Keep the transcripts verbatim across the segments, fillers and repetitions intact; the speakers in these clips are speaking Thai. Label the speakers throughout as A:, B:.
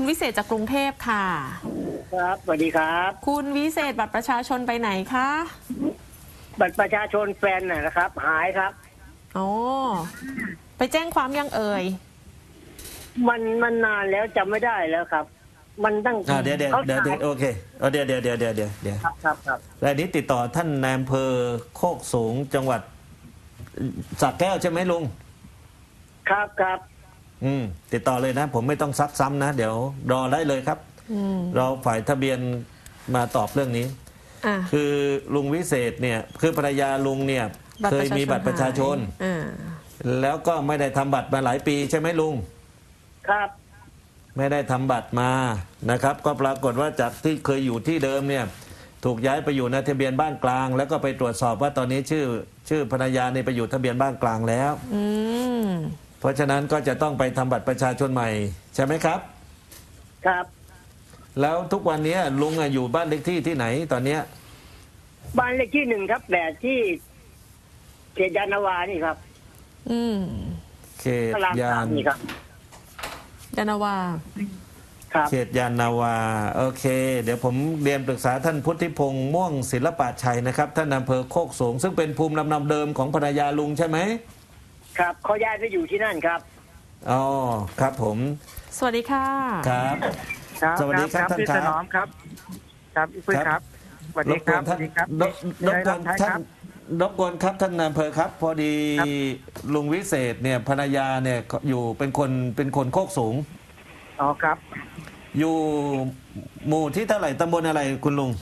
A: คุณวิเศษจากกรุงเทพค่ะ
B: ครับสวัสดีครับ
A: คุณวิเศษบัตรประชาชนไปไหนคะ
B: บัตรประชาชนแฟนน่ะนะครับหายครับ
A: อ๋อไปแจ้งความยังเอ่ย
B: มันมันนานแล้วจำไม่ได้แล้วครับมันตั้ง
C: เดี๋ยวเดี๋ยวเดี๋ยวเดี๋ยวโอเคเดี๋ยวเดี๋ยวเดี๋ยวเดี๋ยวเดี๋ยวเดี๋ยว
B: ครับครับครับ
C: รายนี้ติดต่อท่านนายอำเภอโคกสูงจังหวัดสระแก้วใช่ไหมลุง
B: ครับครับ
C: อืมติดต่อเลยนะ ผมไม่ต้องซักซ้ำนะเดี๋ยวรอได้เลยครับเราฝ่ายทะเบียนมาตอบเรื่องนี้คือลุงวิเศษเนี่ยคือภรรยาลุงเนี่ยเคยมีบัตรประชาชนแล้วก็ไม่ได้ทำบัตรมาหลายปีใช่ไหมลุง
B: ครับ
C: ไม่ได้ทำบัตรมานะครับก็ปรากฏว่าจากที่เคยอยู่ที่เดิมเนี่ยถูกย้ายไปอยู่ในทะเบียนบ้านกลางแล้วก็ไปตรวจสอบว่าตอนนี้ชื่อชื่อภรรยาเนี่ยไปอยู่ทะเบียนบ้านกลางแล้วเพราะฉะนั้นก็จะต้องไปทำบัตรประชาชนใหม่ใช่ไหมครับ
B: ครับ
C: แล้วทุกวันนี้ลุงอยู่บ้านเลขที่ที่ไหนตอนเนี้ย
B: บ้านเลขที่หนึ่งครับแต่ที่เขตยานนาวานี่ครับ
A: อืม
C: เขตยาน
B: นี่ครับ
A: ยานนาวา
C: เขตยานนาวาโอเคเดี๋ยวผมเรียนปรึกษาท่านพุทธิพงษ์ม่วงศิลปะชัยนะครับท่านอำเภอโคกสูงซึ่งเป็นภูมิลำเนาเดิมของภรรยาลุงใช่ไหม
B: ครับเขาย้ายไปอยู่ที่นั่นครับ
C: อ๋อครับผม
A: สวัสดีค่ะ
C: ครับสวัสดีครับท่าน
D: พี่ถนอมครับครับพี่ครับสวัสดีครับสวัสดีครับ
C: รบกวนท่านรบกวนครับท่านนายอำเภอครับพอดีลุงวิเศษเนี่ยภรรยาเนี่ยอยู่เป็นคนเป็นคนโคกสูง
D: อ๋อครับ
C: อยู่หมู่ที่เท่าไหร่ตำบลอะไรคุณลุง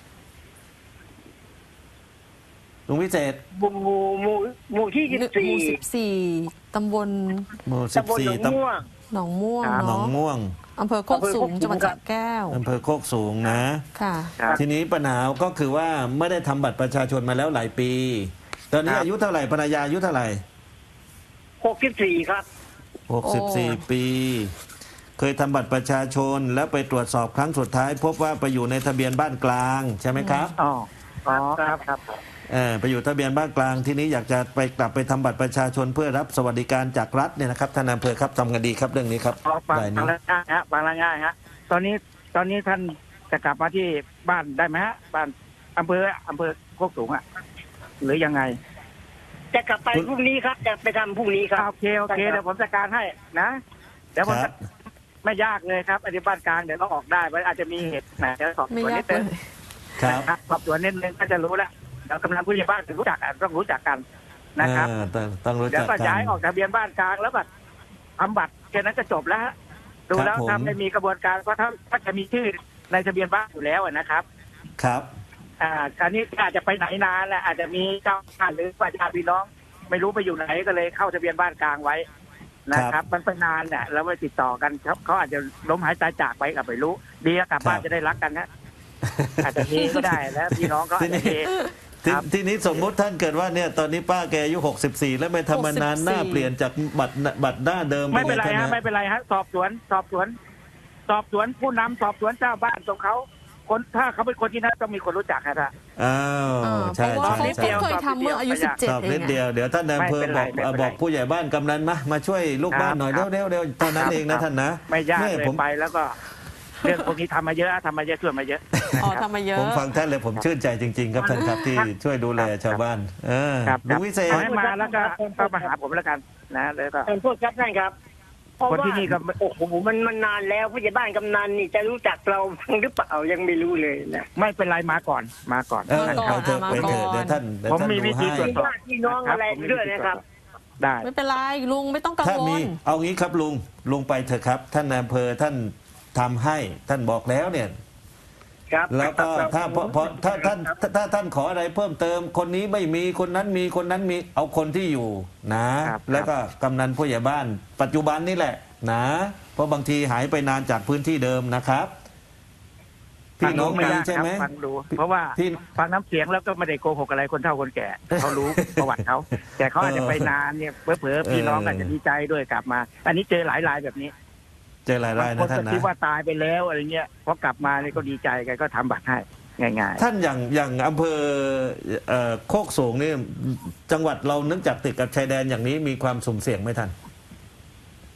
C: ลุงวิเศษ
B: หมู่หมู่หมู่ที่สิบสี่
A: หมู่สิบสี่ตำบล
C: หมู่สิบสี่
B: ตำบล
A: หนองม่วง
C: หนองม่วง
A: อำเภอโคกสูงจังหวัดสระแก้ว
C: อำเภอโคกสูงนะ
A: ค่ะ
C: ทีนี้ปัญหาก็คือว่าไม่ได้ทำบัตรประชาชนมาแล้วหลายปีตอนนี้อายุเท่าไหร่ภรรยาอายุเท่าไหร่
B: หกสิบสี่ครับ
C: หกสิบสี่ปีเคยทำบัตรประชาชนแล้วไปตรวจสอบครั้งสุดท้ายพบว่าไปอยู่ในทะเบียนบ้านกลางใช่ไหมครับ
D: อ๋ออ๋อครับครับ
C: เออไปอยู่ทะเบียนบ้านกลางทีนี้อยากจะไปกลับไปทำบัตรประชาชนเพื่อรับสวัสดิการจากรัฐเนี่ยนะครับท่านอำเภอครับทำกันดีครับเรื่องนี้ครับ
D: บางละง่ายฮะบางละง่ายฮะตอนนี้ตอนนี้ท่านจะกลับมาที่บ้านได้ไหมฮะบ้านอำเภออำเภอโคกสูงอ่ะหรือยังไง
B: จะกลับไปพรุ่งนี้ครับจะไปทำพรุ่งนี้ครับ
D: โอเคโอเคเดี๋ยวผมจัดการให้นะเดี๋ยวผมไม่ยากเลยครับอธิบานกลางเดี๋ยวก็ออกได้อาจจะมีเหตุไหนจะสอบสวนนิดนึง
C: ครับ
D: สอบสวนนิดนึงก็จะรู้แล้วเรากำลังผู้ใหญ่บ้านถึงรู้จักต้องรู้จักกันนะครับ
C: ต้องรู้จักกัน
D: แล้วก็ย้ายออกทะเบียนบ้านกลางแล้วแบบทำบัตรแค่นั้นก็จบแล้วดูแล้วถ้าไม่มีกระบวนการก็ถ้าถ้าจะมีชื่อในทะเบียนบ้านอยู่แล้วนะครับ
C: ครับ
D: อ่าการนี้อาจจะไปไหนนานแหละอาจจะมีเจ้าบ้านหรือญาติพี่น้องไม่รู้ไปอยู่ไหนก็เลยเข้าทะเบียนบ้านกลางไว้นะครับมันเป็นนานเนี่ยแล้วไม่ติดต่อกันครับเขาอาจจะล้มหายตายจากไปกับไม่รู้ดีกลับบ้านจะได้รักกันนะอาจจะมีก็ได้แล้วพี่น้องก็อาจจะมี
C: ทีนี้สมมติท่านเกิดว่าเนี่ยตอนนี้ป้าแกอายุหกสิบสี่แล้วไม่ทำมานานหน้าเปลี่ยนจากบัตรบัตรหน้าเดิม
D: ไม่เป็นไรฮะไม่เป็นไรฮะสอบสวนสอบสวนสอบสวนผู้นำสอบสวนเจ้าบ้านของเขาคนถ้าเขาเป็นคนที่นั่นต้องมีคนรู้จักครับ
C: อ้าวใช่
A: ใช่ใช่เคยทำเมื่ออายุสิบเจ็ดเอง
C: เดียวเดี๋ยวท่านนายอำเภอบอกบอกผู้ใหญ่บ้านกำนันมามาช่วยลูกบ้านหน่อยเร็วเร็วเร็วตอนนั้นเองนะท่านนะ
D: ไม่ยากเลยไปแล้วก็เรื่องพวกนี้ทำมาเยอะทำมาเยอะช่วยมาเยอะ
A: อ๋อทำมาเยอะ
C: ผมฟังท่านเลยผมชื่นใจจริงๆครับท่านครับที่ช่วยดูแลชาวบ้านเออลุงวิเศษ
D: ให้มาแล้วก็เข้ามาหาผมแล้วกันนะแล้วก็
B: เป็นพวกครับท่านครับคนที่นี่ก็โอ้โหมันมันนานแล้วผู้ใหญ่บ้านกำนันนี่จะรู้จักเราหรือเปล่ายังไม่รู้เลยนะ
D: ไม่เป็นไรมาก่อนมาก่อน
C: เออไปเถอะไปเถอะเดี๋ยวท่าน
D: ผมมีวิธีตรวจสอบ
B: พี่น้องอะไรด้วยนะครับ
D: ได้
A: ไม่เป็นไรลุงไม่ต้องกังวลถ้ามี
C: เอางี้ครับลุงลุงไปเถอะครับท่านนายอำเภอท่านทำให้ท่านบอกแล้วเนี่ยแล้วก็ถ้าพอถ้าท่านถ้าท่านขออะไรเพิ่มเติมคนนี้ไม่มีคนนั้นมีคนนั้นมีเอาคนที่อยู่นะแล้วก็กำนันผู้ใหญ่บ้านปัจจุบันนี่แหละนะเพราะบางทีหายไปนานจากพื้นที่เดิมนะครับ
D: พี่น้องไม่ใช่ไหมฟังดูเพราะว่าฟังน้ำเสียงแล้วก็ไม่ได้โกหกอะไรคนเฒ่าคนแก่เขารู้ประวัติเขาแต่เขาอาจจะไปนานเนี่ยเผลอๆพี่น้องอาจจะดีใจด้วยกลับมาอันนี้เจอหลายรายแบบนี้
C: เจอหลายรายนะท่านนะ
D: คิดว่าตายไปแล้วอะไรเงี้ยพอกลับมาเนี่ยก็ดีใจกันก็ทำบัตรให้ง่าย
C: ๆท่านอย่างอย่างอำเภอโคกสูงนี่จังหวัดเราเนื่องจากติดกับชายแดนอย่างนี้มีความสุ่มเสี่ยงไหมท่าน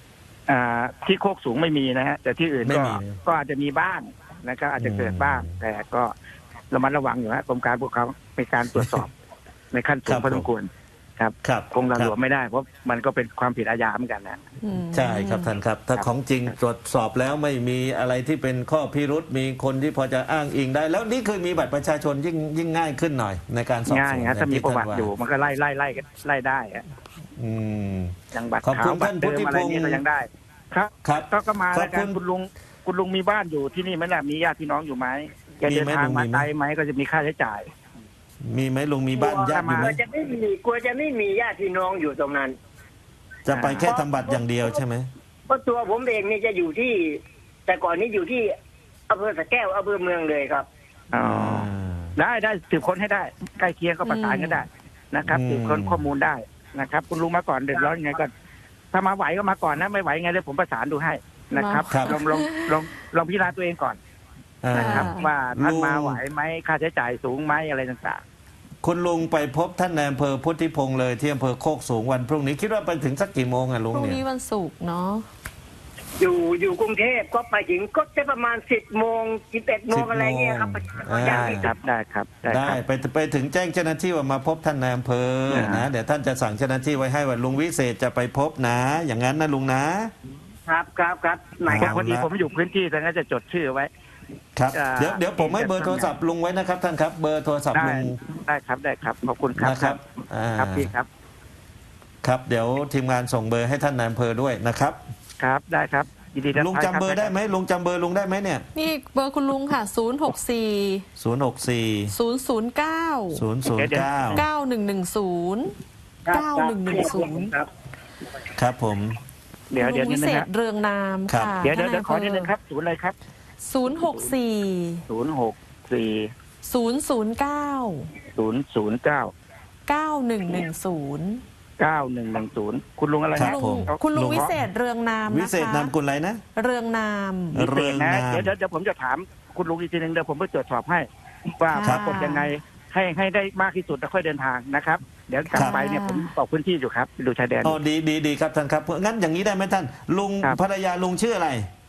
D: อ่าที่โคกสูงไม่มีนะฮะแต่ที่อื่น
C: ไม่
D: ก็
C: มี
D: ก็อาจจะมีบ้างนะครับอาจจะเกิด
C: อืม
D: บ้าง แต่ก็ระมัดระวังอยู่ฮะกรมการปกครองในการตรวจสอบ ในขั้นสู
C: ครั
D: ง
C: บ
D: พอสมควรครับ
C: ครับ
D: คงระ
C: ค
D: หล
C: รั
D: ว
C: บ
D: มไม่ได้เพราะมันก็เป็นความผิดอาญาเหมือนกันนะ
A: อืม
C: ใช่ครับท่านครับ ถ้าของจริงตรวจสอบแล้วไม่มีอะไรที่เป็นข้อพิรุษมีคนที่พอจะอ้างอิงได้ แล้วนี่คือมีบัตรประชาชนยิ่งยิ่งง่ายขึ้นหน่อย ในการสอบ
D: ง่า
C: ส
D: ย
C: วน
D: ฮะถ้ามีประวัติอยู่มันก็ไล่ไล่ไล่ไล่ได้ฮะ
C: อืม
D: อย่างบัตร
C: ขอบคุ
D: ขาว
C: ณ
D: บั
C: ท่า
D: ต
C: น
D: รเดิมอะไร
C: พุทธิพงศ์
D: นี่ก็ยังได้ ครับ
C: ครับ
D: ก็ก็มา
C: ขอ
D: แล้
C: บ
D: วกั
C: คุ
D: น
C: ณ
D: คุณลุงคุณลุงมีบ้านอยู่ที่นี่ไหมล่ะมีญาติพี่น้องอยู่ไหมแก
C: มี
D: เดิน
C: ไหม
D: ทาง
C: ลุง
D: มา
C: มีไหม
D: ไกลไหมก็จะมีค่าใช้จ่าย
C: มีไหมลุงมีบ้านญาติอยู่ไห
B: ก
C: ม
B: ลัวจะไม่มีกลัวจะไม่มีญาติพี่น้องอยู่ตรงนั้น
C: จะไปแค่ทำบัตรอย่างเดียวใช่ไหม
B: เพราะตัวผมเองนี่จะอยู่ที่ แต่ก่อนนี้อยู่ที่อำเภอสะแก้วอำเภอเมืองเลยครับ
D: อ๋อได้ได้สืบค้นให้ได้ ใกล้เคียงก็ประสานกันได้นะครับ
C: อืม
D: สืบค้นข้อมูลได้นะครับ คุณลุงมาก่อนเดือดร้อนยังไงก็ถ้ามาไหวก็มาก่อนนะไม่ไหวไงเดี๋ยวผมประสานดูให้นะครับ
C: ครับ
D: ลองลองลองลองพิจารณาตัวเองก่อน
C: อ่า
D: นะครับ
A: อ่า
D: ว่าท่าน
C: ลุง
D: มาไหวไหมค่าใช้จ่ายสูงไหมอะไรต่าง
C: คุณลุงไปพบท่านนายอำเภอพุทธิพงศ์เลยที่อำเภอโคกสูงวันพรุ่งนี้คิดว่าไปถึงสักกี่โมงอะลุง
A: พรุ่ง
C: เนี่ย
A: นี้วันศุกร์เนาะ
B: อยู่อยู่กรุงเทพก็ไปถึงก็จะประมาณสิบโมงสิบเอ็ดโมงอะไรเงี้ยครับ
C: อ่า
B: อย่าง
D: ๆ
B: นี้
D: ครับได้ครับได้
C: ได้
D: ครับ
C: ไปไปถึงแจ้งเจ้าหน้าที่ว่ามาพบท่านนายอำเภอ
D: อ่าน
C: นะเดี๋ยวท่านจะสั่งเจ้าหน้าที่ไว้ให้ว่าลุงวิเศษจะไปพบนะ อย่างนั้นนะลุงนะ
B: ครับครับครับหมาย
C: ค
B: ค
C: รั
B: รับ บ
D: พอดีผมอยู่พื้นที่แต่งั้นจะจดชื่อไว้
C: ครับ
D: อ่า
C: เดี๋ยวเดี๋ยวผมให้เบอร์โทรศัพท์ลุงไว้นะครับท่านครับ เบอร์โทรศัพท์
D: ได้
C: ลุง
D: ได้ครับได้ครับขอบคุณครับ
C: นะครับอ่า
D: ครับพี่ครับ
C: ครับเดี๋ยวทีมงานส่งเบอร์ให้ท่านนายอำเภอด้วยนะครับ
D: ครับได้ครับยินดีรับ
C: ลุง
D: ใช้
C: จำเบอร์ได้ไหมลุงจำเบอร์ลุงได้ไหมเนี่ย
A: นี่เบอร์คุณลุงค่ะ ศูนย์ หก สี่
C: ศูนย์หกสี่
A: ศูนย์ ศูนย์ เก้า
C: ศูนย์ศูนย์เก้า
A: เก้าหนึ่งหนึ่งศูนย์
B: ครับ
A: เก้าหนึ่งหนึ่งศูนย์
B: ครับ
C: ครับผม
D: เดี๋ยวเดี๋ยว
A: ลุง
D: นิ
A: วิ
D: ดนึ
A: เศ
D: ง
A: ษ
D: ครับ
A: เรืองนาม
C: ครับ
A: ค่ะ
D: เดี๋ยวเดี๋ยวเดี๋ยวขอ
A: ท่า
D: นิดนึงครับศูนย์อะไรครับ
A: ศูนย์ หก สี่
D: ศูนย์หกสี่
A: ศูนย์ ศูนย์ เก้า
D: ศูนย์ศูนย์เก้า
A: เก้าหนึ่งหนึ่งศูนย์
D: เก้าหนึ่งหนึ่งศูนย์คุณลุงอะไร
C: ครั
D: นะ
C: บผม
A: คุณลุง
C: ลุง
A: วิเศษเรืองนามนะคะ
C: วิเศษนามกุลอะไรนะ
A: เรืองนาม
D: พิเศ
C: เรื
D: ษ
C: อง
D: นะ
C: นาม
D: เดี๋ยวเดี๋ยวเดี๋ยวผมจะถามคุณลุงอีกทีหนึงเดี๋ยวผมไปตรวจสอบให้ว่า
A: ค
D: ป
A: รับ
D: รากฏยังไงให้ให้ได้มากที่สุดแล้วค่อยเดินทางนะครับ เดี๋ยวกลับ
C: ครับ
D: ไปเนี่ยผมบอกพื้นที่อยู่ครับดูชายแดน
C: อ๋อดีดีดีครับท่านครับงั้นอย่างนี้ได้ไหมท่าน ลุง
D: ครับ
C: ภรรยาลุงชื่ออะไร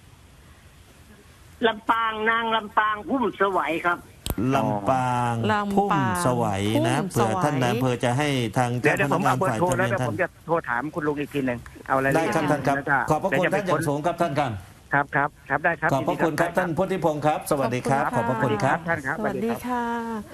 B: ลำปางนางลำปางพุ่มสวัยครับ
C: ลำปาง
A: ลำปาง
C: พุ่มสวัยนะ
A: พุ่ม
C: เผื่อ
A: สวัย
C: ท่านนายอำเภอจะให้ทาง
D: เดี๋ยว
C: เจ้า
D: เดี๋ยว
C: พ
D: ผม
C: นักงา
D: เอา
C: น
D: เบอ
C: ฝ่าย
D: ร์โทร
C: ทะ
D: แล้ว
C: เบียน
D: เดี๋ยว
C: ท่า
D: ผ
C: น
D: มจะโทรถามคุณลุงอีกทีหนึ่งเอาอะไรายละ
C: ได้
D: เอียด
C: ครับท่านครับ
D: แล้วก็
C: ขอบพระคุณ
D: เดี๋ยวจ
C: ท่านอย่าง
D: ไป
C: สูงครับท่านครับ
D: ครับครับครับได้ครับ
C: ขอบพระคุณครับท่านพุทธิพงศ์ครับ สวัสดีครับ ขอบพระคุณครับ
D: ท่านครับ
A: สวัสดีค่ะ